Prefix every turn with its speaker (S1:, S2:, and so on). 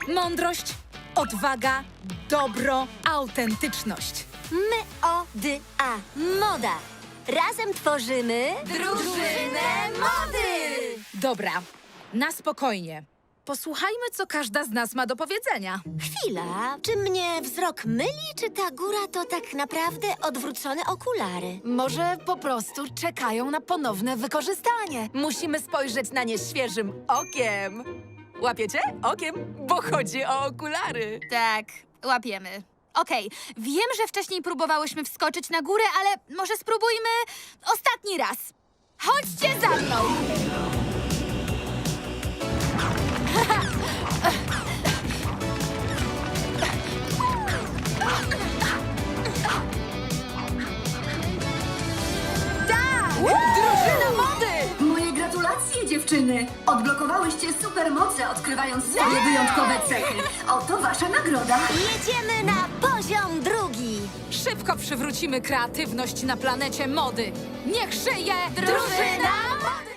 S1: Mądrość, odwaga, dobro, autentyczność.
S2: M-O-D-A. Moda. Razem tworzymy...
S3: Drużynę mody!
S1: Dobra, na spokojnie. Posłuchajmy, co każda z nas ma do powiedzenia.
S2: Chwila. Czy mnie wzrok myli, czy ta góra to tak naprawdę odwrócone okulary?
S3: Może po prostu czekają na ponowne wykorzystanie. Musimy spojrzeć na nie świeżym okiem. Łapiecie? Okiem, bo chodzi o okulary.
S4: Tak, łapiemy. Okej, wiem, że wcześniej próbowałyśmy wskoczyć na górę, ale może spróbujmy ostatni raz. Chodźcie za mną!
S3: Drużyna mody!
S5: Moje gratulacje, dziewczyny! Odblokowałyście supermoce, odkrywając swoje wyjątkowe cechy. Oto wasza nagroda.
S2: Jedziemy na poziom drugi.
S1: Szybko przywrócimy kreatywność na planecie mody. Niech żyje
S3: Drużyna mody!